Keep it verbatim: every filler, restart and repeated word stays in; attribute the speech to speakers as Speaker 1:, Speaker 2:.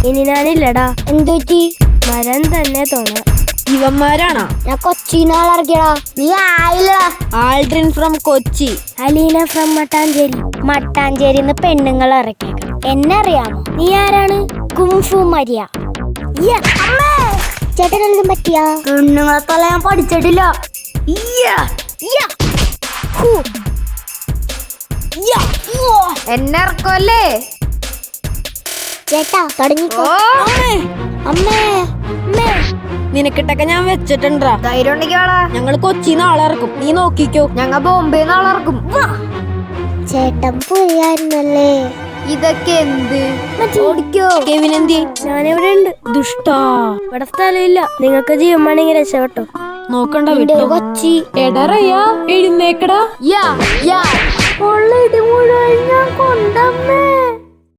Speaker 1: ഇനി ഞാനില്ലടാ.
Speaker 2: എന്തുപറ്റി?
Speaker 1: മരം തന്നെ തോന്നാ.
Speaker 3: ഇവന്മാരാണോ?
Speaker 2: ഞാൻ കൊച്ചിന്നാൾ ഇറക്കിയടാ. നീ ആയില്ല.
Speaker 3: Aldrin from Kochi.
Speaker 1: Aleena from Mattancherry.
Speaker 2: മട്ടാഞ്ചേരിന്ന് പെണ്ണുങ്ങൾ ഇറക്കിയേക്കാം. എന്നെ അറിയാമോ?
Speaker 1: നീ ആരാണ്?
Speaker 2: Kung fu Maria. ചേട്ടനെന്തും പറ്റിയ? പെണ്ണുങ്ങളെ തല ഞാൻ പഠിച്ചിട്ടില്ല.
Speaker 3: എന്നെ ഇറക്കല്ലേ
Speaker 2: ചേട്ടാ തുടങ്ങിക്കോ. അമ്മേ അമ്മേ
Speaker 3: നിനക്കിട്ടൊക്കെ ഞാൻ വെച്ചിട്ടുണ്ടാ.
Speaker 4: ധൈര്യം ഉണ്ടെങ്കിൽ
Speaker 3: ഞങ്ങള് കൊച്ചിന്ന് ആളിറക്കും, നീ നോക്കിക്കോ.
Speaker 4: ഞങ്ങ ബോംബെന്ന് ആളിറക്കും.
Speaker 2: ചേട്ടൻ പുരിയായിരുന്നല്ലേ.
Speaker 4: ഇതൊക്കെ എന്ത്?
Speaker 2: ഓടിക്കോ.
Speaker 3: കെവിനെന്തി?
Speaker 1: ഞാനിവിടെ ഉണ്ട്.
Speaker 3: ദുഷ്ടാ,
Speaker 1: ഇവിടെ സ്ഥലമില്ല. നിങ്ങൾക്ക് ജീവൻ വേണമെങ്കിൽ രക്ഷപ്പെട്ടോ.
Speaker 3: നോക്കണ്ട
Speaker 2: നിന്റെ
Speaker 3: വിട്ടോ.
Speaker 2: ഒരു കൊച്ചി.
Speaker 3: എടറയാ എഴുന്നേക്കടാ.
Speaker 4: യാ യാ
Speaker 2: മുഴുവൻ ഞാൻ കൊണ്ടമ്മേ.